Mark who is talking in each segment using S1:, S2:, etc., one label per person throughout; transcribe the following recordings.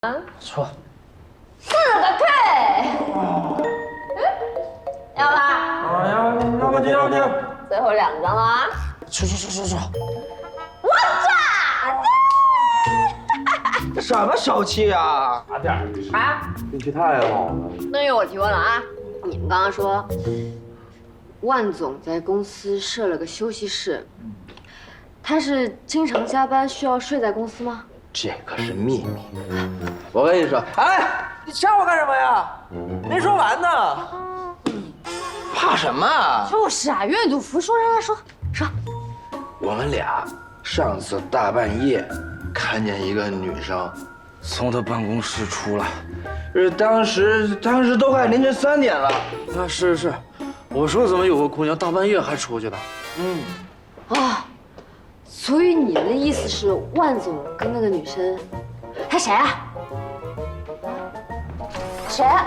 S1: 说
S2: 4个 K， 要吧？
S1: 啊，要不就要不就，
S2: 最后2张了啊！
S1: 说，
S2: 我炸！
S3: 什么手气啊？
S1: 差点
S2: 啊！
S4: 运气太好了。
S2: 那由我提问了啊！你们刚刚说，万总在公司设了个休息室，他是经常加班，需要睡在公司吗？
S3: 这可是秘密。我跟你说，哎，你吓我干什么呀？没说完呢。怕什么？
S2: 就是啊，愿赌服输，让他说。
S3: 我们俩上次大半夜看见一个女生从他办公室出来，当时都快凌晨3点了。
S4: 啊，是，我说怎么有个姑娘大半夜还出去了？
S2: 啊，所以你的意思是万总跟那个女生，还谁啊？谁啊？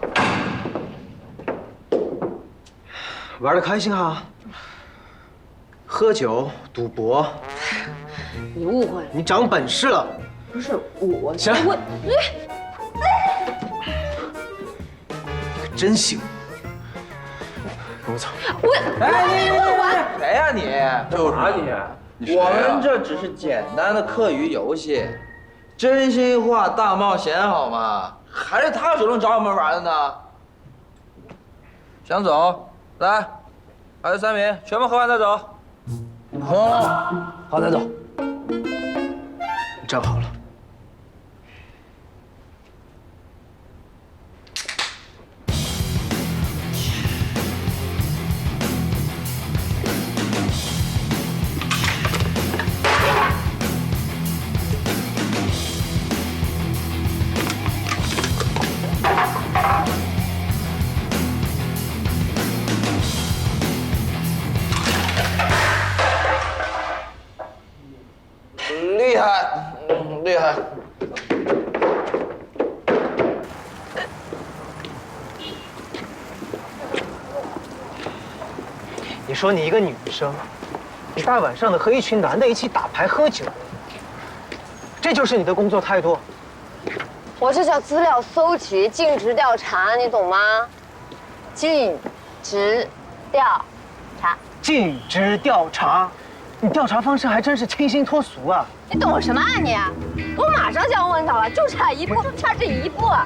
S5: 玩得开心哈，喝酒、赌博，
S2: 你误会了，
S5: 你长本事了。
S2: 不是我。
S5: 行了
S2: 我
S5: 可真行。跟我走。
S3: 哎，你问完谁呀你？
S1: 就是你，
S3: 我们这只是简单的课余游戏，真心话大冒险好吗？还是他主动找我们玩的呢。想走，来，还有3名，全部喝完再走。
S5: 好，咱走。你站好了。
S3: 厉害，厉害。
S5: 你说你一个女生，你大晚上的和一群男的一起打牌喝酒，这就是你的工作态度？
S2: 我这叫资料搜集，尽职调查，你懂吗？尽职调查。
S5: 尽职调查，你调查方式还真是清新脱俗啊！
S2: 你懂什么啊你？我马上就要问到了，就差一步，差这一步。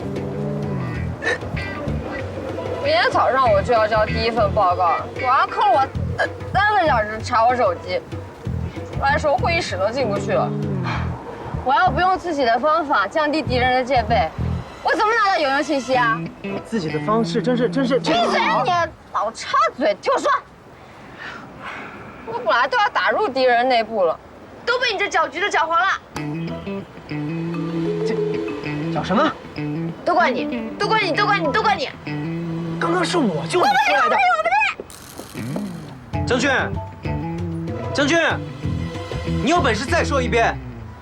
S2: 明天早上我就要交第1份报告，晚上扣了我3个小时查我手机，出来时候会议室都进不去了。我要不用自己的方法降低敌人的戒备，我怎么拿到有用信息啊？
S5: 自己的方式真是……
S2: 闭嘴！你老插嘴，听我说。我本来都要打入敌人内部了，都被你这搅局的搅黄了。
S5: 这叫什么？
S2: 都怪你！都怪你！都怪你！都怪你！
S5: 刚刚是我救你出来的。
S6: 郑俊，郑俊，你有本事再说一遍。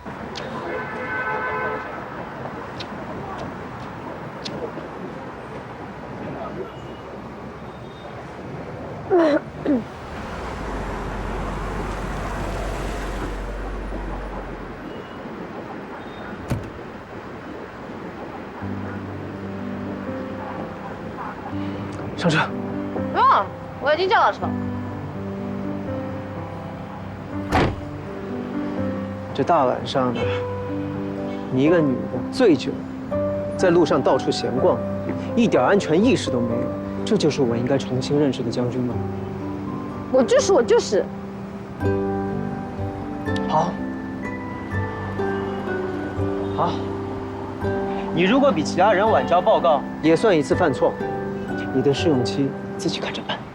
S5: 上车。
S2: 不用了，我已经叫到车。
S5: 这大晚上的，你一个女的醉酒，在路上到处闲逛，一点安全意识都没有，这就是我应该重新认识的将军吗？
S2: 我就是。
S5: 好，好，你如果比其他人晚交报告，也算一次犯错，你的试用期自己看着办。